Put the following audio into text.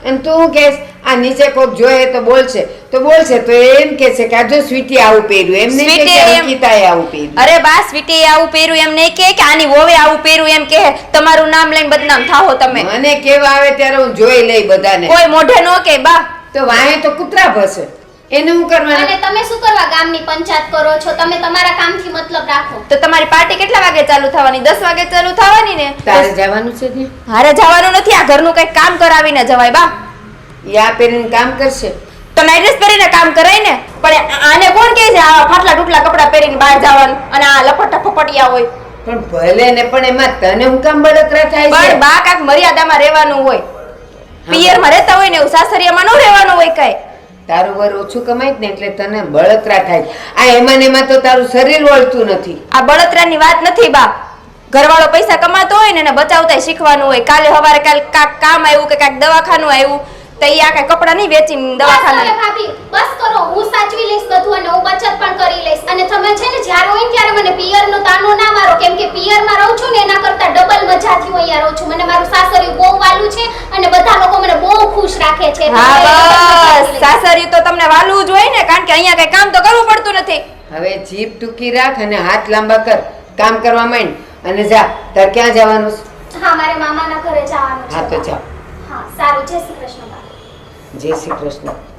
એમ તું કે આ નીચે કોક જોયે તો બોલશે તો એમ કે છે કે આ જો સ્વીટી આવું પહેર્યું એમ નહીં કે અંકિતાએ આવું પહેર્યું. અરે બા સ્વીટીએ આવું પહેર્યું એમ નહીં કે આની વોવે આવું પહેર્યું એમ કે તમારું નામ લઈને બદનામ થાઓ તમે. મને કેવા આવે ત્યારે હું જોઈ લઈ બધાને. કોઈ મોઢે નો કે બા. તો વાહે તો કૂતરા ભસે એને હું કરવાનું. અને તમે શું કરવા ગામની પંચાયત કરો છો? તમે તમારા કામથી મતલબ રાખો. તો તમારી પાર્ટી કેટલા વાગે ચાલુ થવાની? 10 વાગે ચાલુ થવાની ને. તારે જવાનું છે ને? હારે જવાનું નથી, આ ઘરનું કઈ કામ કરાવીને જવાય બા. યા પહેરીને કામ કરશે તો નાઈટ ડ્રેસ પહેરીને કામ કરાય ને. પણ આને કોણ કહે છે આ ફાટલા ટૂટલા કપડા પહેરીને બહાર જવાનું અને આ લપટા ફપટિયા હોય? પણ ભલે ને પણ એમાં તને હું કામ બળતરા થાય છે? પણ બા કાક મર્યાદામાં રહેવાનું હોય. પિયરમાં રહેતા હોય ને એવું સાસરિયામાં ન રહેવાનું હોય કઈ. તારું વર ઓછું કમાય ને એટલે તને બળતરા થાય. આ એમાં તો તારું શરીર વળતું નથી. આ બળતરાની વાત નથી બા. ઘરવાળો પૈસા કમાતો હોય ને એને બચાવતા શીખવાનું હોય. કાલે સવારે કાક કામ આવ્યું કે કાક દવાખાનું આવ્યું તો ઈ આ કઈ કપડા નહીં વેચીને દવાખાના. બસ ભાભી બસ કરો, હું સાચવી લઈશ બધું અને હું બચત પણ કરી લઈશ. અને તમે છે ને જ્યારે હોય ને ત્યારે મને પિયરનો તાનો ના મારો, કેમ કે પિયરમાં રહું છું ને એના કરતા ડબલ મજાથી હું અહીંયા રહું છું. મને મારું સાસરિયું બહુ વાલું છે અને બધા લોકો મને બહુ ખુશ રાખે છે. હા બસ સાસરિયું તો તમને વાલું જ હોય ને, કારણ કે અહીંયા કઈ કામ તો કરવું પડતું નથી. હવે જીભ ટૂંકી રાખ અને હાથ લાંબા કર, કામ કરવા માંડ અને જા. તાર ક્યાં જવાનું છે? હા, મારે મામાના ઘરે જવાનું છે. હા તો જા. હા સારું, જય શ્રી કૃષ્ણ. જય શ્રી કૃષ્ણ.